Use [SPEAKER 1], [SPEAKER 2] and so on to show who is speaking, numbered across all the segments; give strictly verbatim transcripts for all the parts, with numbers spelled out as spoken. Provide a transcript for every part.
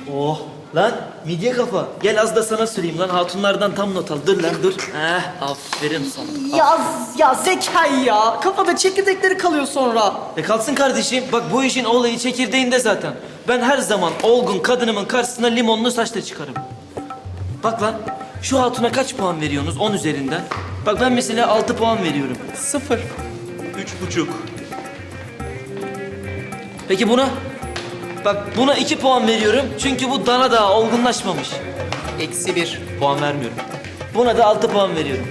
[SPEAKER 1] Oh lan midye kafa. Gel az da sana süreyim lan. Hatunlardan tam not al. Dur lan dur. Eh aferin sana.
[SPEAKER 2] Ya, ya Zekai ya. Kafada çekirdekleri kalıyor sonra.
[SPEAKER 1] E kalsın kardeşim. Bak bu işin olayı çekirdeğinde zaten. Ben her zaman olgun kadınımın karşısına limonlu saçla çıkarım. Bak lan şu hatuna kaç puan veriyorsunuz on üzerinden? Bak ben mesela altı puan veriyorum.
[SPEAKER 2] Sıfır.
[SPEAKER 1] Üç buçuk. Peki buna? Bak buna iki puan veriyorum çünkü bu dana daha olgunlaşmamış.
[SPEAKER 2] Eksi bir.
[SPEAKER 1] Puan vermiyorum. Buna da altı puan veriyorum.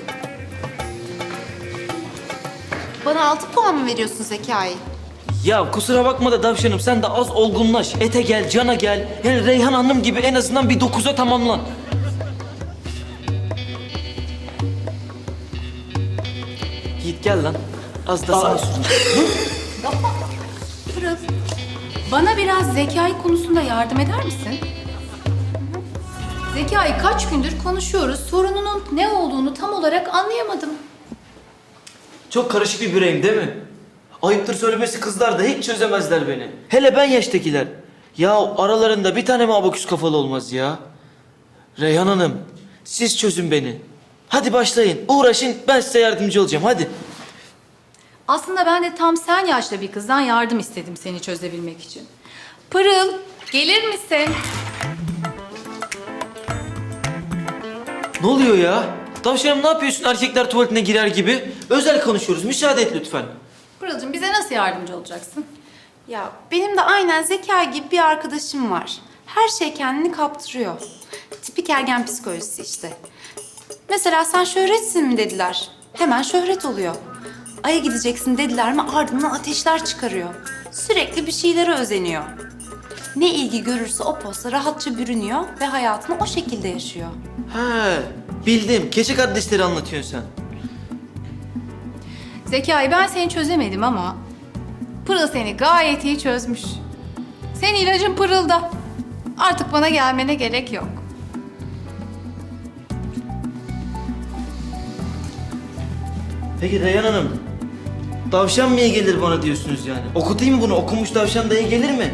[SPEAKER 3] Bana altı puan mı veriyorsun Zekai?
[SPEAKER 1] Ya kusura bakma da davşanım sen de az olgunlaş. Ete gel, cana gel. Yani Reyhan Hanım gibi en azından bir dokuza tamamlan. Git gel lan. Az da sana süreyim.
[SPEAKER 4] Pırıl, bana biraz Zekai konusunda yardım eder misin? Zekai, kaç gündür konuşuyoruz. Sorununun ne olduğunu tam olarak anlayamadım.
[SPEAKER 1] Çok karışık bir bireyim değil mi? Ayıptır söylemesi kızlar da hiç çözemezler beni. Hele ben yaştakiler. Ya aralarında bir tane mi abaküs kafalı olmaz ya? Reyhan Hanım, siz çözün beni. Hadi başlayın, uğraşın, ben size yardımcı olacağım, hadi.
[SPEAKER 4] Aslında ben de tam sen yaşta bir kızdan yardım istedim seni çözebilmek için. Pırıl, gelir misin?
[SPEAKER 1] Ne oluyor ya? Tavşanım ne yapıyorsun erkekler tuvaletine girer gibi? Özel konuşuyoruz, müsaade et lütfen.
[SPEAKER 4] Pırıl'cığım bize nasıl yardımcı olacaksın?
[SPEAKER 3] Ya benim de aynen Zekai gibi bir arkadaşım var. Her şey kendini kaptırıyor. Tipik ergen psikolojisi işte. Mesela sen şöhretsin mi dediler. Hemen şöhret oluyor. Ay'a gideceksin dediler mi ardından ateşler çıkarıyor. Sürekli bir şeylere özeniyor. Ne ilgi görürse o posta rahatça bürünüyor ve hayatını o şekilde yaşıyor.
[SPEAKER 1] He, bildim. Keçi kardeşleri anlatıyorsun sen.
[SPEAKER 4] Zekai, ben seni çözemedim ama Pırıl seni gayet iyi çözmüş. Senin ilacın Pırıl'da. Artık bana gelmene gerek yok.
[SPEAKER 1] Peki Reyhan Hanım, tavşan mı iyi gelir bana diyorsunuz yani? Okutayım mı bunu? Okumuş tavşan da iyi gelir mi?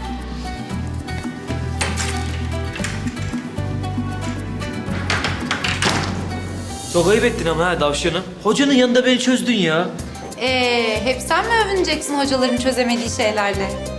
[SPEAKER 1] Çok ayıp ettin ama ha tavşanım. Hocanın yanında beni çözdün ya.
[SPEAKER 3] Ee, hep sen mi övüneceksin hocaların çözemediği şeylerle?